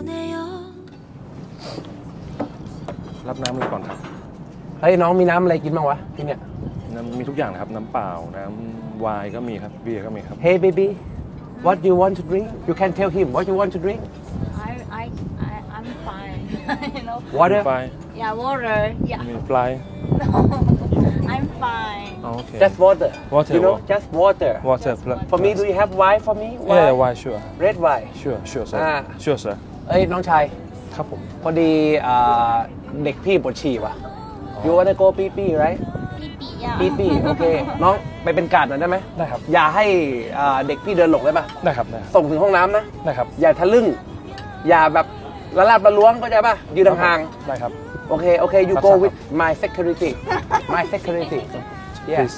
รับน้ำอะไรก่อนครับเฮ้ยน้องมีน้ำอะไรกินบ้างวะที่เนี่ยน้ำมีทุกอย่างนะครับน้ำเปล่าน้ำไวน์ก็มีครับเบียร์ก็มีครับ Hey baby what you want to drink you can tell him what you want to drink I'm fine. You know. มี water ไฟ Yeah, water. Yeah. มีฟลาย No, I'm fine. โอเค just water Water, you know water. just water water for me do you have wine for me yeah wine sure red wine sure sure sir อ่า sure sir เอ้ยน้องชายครับผมพอดีเด็กพี่ปวดฉี่ว่ะ you wanna go ปีปี right ปีปีโอเคน้องไปเป็นการ์ดหน่อยได้ไหมได้ครับอย่าให้เด็กพี่เดินหลงได้ปะได้ครับได้ครับส่งถึงห้องน้ำนะได้ครับอย่าทะลึ่งอย่าแบบละลาบละล้วงเข้าใจปะยืนห่างได้ครับๆโอเคโอเค you รับ go ทราบ with my security my security yeah please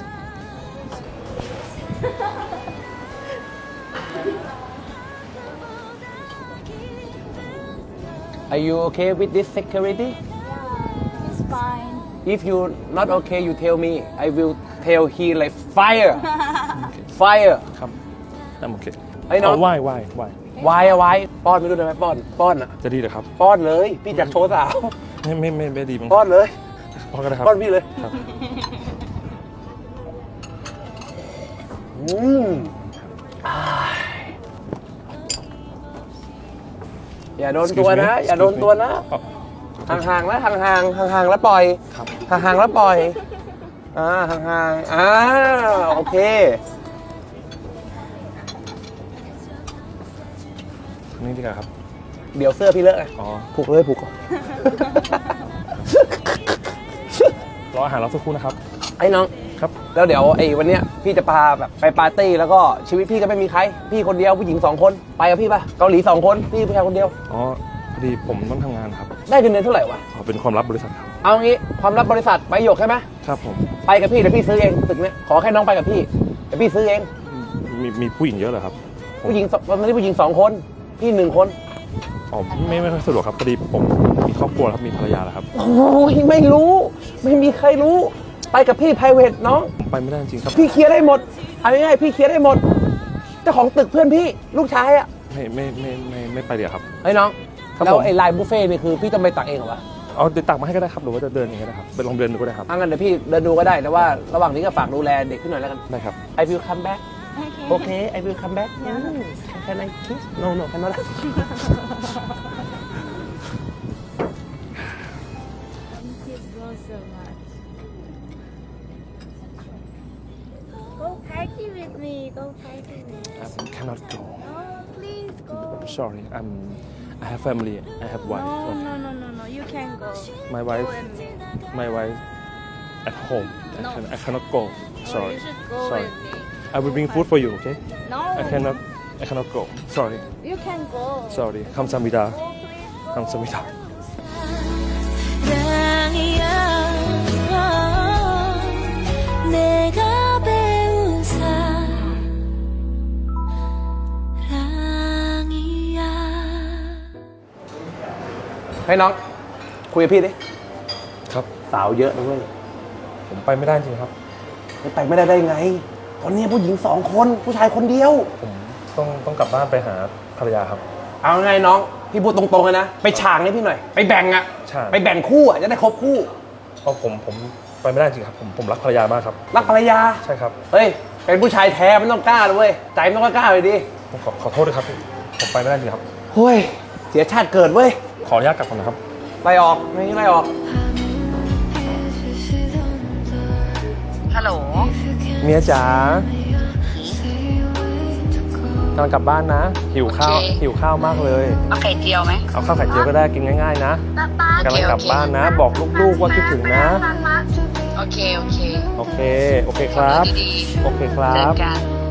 are you okay with this security Yeah, it's fine. if you not okay you tell me I will tell he like fire fire ครับโอเคไอ้น้องเอาไหว้วายเอาไว้ป้อนไม่รู้ได้ไหมป้อนอ่ะจะดีเหรอครับป้อนเลยพี่จัดโชว์สาวไม่ดีมั้งป้อนเลยพอก็ได้ครับป้อนพี่เลยครับอืมอ่าอย่าโดนตัวนะ อย่าโดนตัวนะ ห่างๆนะห่างๆแล้วปล่อยครับห่างๆแล้วปล่อยห่างๆโอเคนี่ดีกว่าครับเดี๋ยวเสื้อพี่เลอะไงอ๋อผูกเลยผูกก่อนรออาหารเราสักครู่นะครับไอ้น้องครับแล้วเดี๋ยวไอ้วันเนี้ยพี่จะพาแบบไปปาร์ตี้แล้วก็ชีวิตพี่ก็ไม่มีใคร พี่คนเดียวผู้หญิง2 คนไปกับพี่ป่ะเกาหลี2 คนพี่ผู้ชายคนเดียวอ๋อพอดีผมต้องทำงานครับได้เงินเดือนเท่าไหร่วะอ๋อเป็นความลับบริษัทครับเอางี้ความลับบริษัทใบหยกใช่ไหมครับผมไปกับพี่เดี๋ยวพี่ซื้อเองตึกเนี้ยขอแค่น้องไปกับพี่เดี๋ยวพี่ซื้อเองมีผู้หญิงเยอะเหรอครับผู้หญิงมันไม่ได้ผู้หญิง2 คนพี่1 คนอ๋อไม่ค่อยสะดวกครับพอดีผมมีครอบครัวแล้วครับมีภรรยาแล้วครับโอ้ยไม่รู้ไม่มีใครรู้ไปกับพี่ private น้องผมไปไม่ได้จริงๆครับพี่เคลียร์ได้หมดเอาง่ายๆพี่เคลียร์ได้หมดเจ้าของตึกเพื่อนพี่ลูกชายอ่ะไม่ไปเดี๋ยวครับเฮ้ยน้องครับแล้วผมไอ้ไลน์บุฟเฟ่ต์นี่คือพี่ต้องไปตักเองเหรอวะเอาเดี๋ยวตักมาให้ก็ได้ครับหรือว่าจะเดินเองก็ได้ครับไปลองเดินดูก็ได้ครับงั้นเดี๋ยวพี่เดินดูก็ได้แต่ว่าระหว่างนี้ก็ฝากดูแลเด็กขึ้นหน่อยแล้วกันได้ครับ I will come back Okay. โอเค I will come back Can I kiss No no cannot Thank you so much. Go party with me. Go party with me. I cannot go Oh, please go. sorry I have family I have wife No. You can go. My Go wife with me. my wife at home No. I cannot go No, sorry you should go sorry with me. I will bring food for you okay No. I cannot go sorry You can go. sorry 감사합니다 Go, please go. 감사합니다 사랑이야 내가 배운 사랑이야 ให้น้องคุยกับพี่ดิครับสาวเยอะนะเว้ยผมไปไม่ได้จริงครับไปไม่ได้ไงตอนนี้ผู้หญิง2 คนผู้ชายคนเดียวผมต้องกลับบ้านไปหาภรรยาครับเอาไงน้องพี่พูดตรงๆเลยนะไปฉางให้พี่หน่อยไปแบ่งอะฉางไปแบ่งคู่อะจะได้ครบคู่เพราะผมไปไม่ได้จริงครับผมรักภรรยามากครับรักภรรยาใช่ครับเฮ้ยเป็นผู้ชายแท้มันต้องกล้าเลยเว้ยใจมันต้องกล้าเลยดิผมขอโทษด้วยครับผมไปไม่ได้จริงครับเฮ้ยเสียชาติเกิดเว้ยขออนุญาตกลับก่อนนะครับไล่ออกไม่ไล่ออกฮัลโหลเมียจ๋ากำลังกลับบ้านนะหิวข้าวโอเคหิวข้าวมากเลยเอาไข่เจียวไหมเอาข้าวไข่เจียวก็ได้กินง่ายๆนะโอเคกำลังกลับบ้านนะ บอกลูกๆว่าคิดถึงนะโอเคโอเคครับดีๆโอเคครัเจบอกัน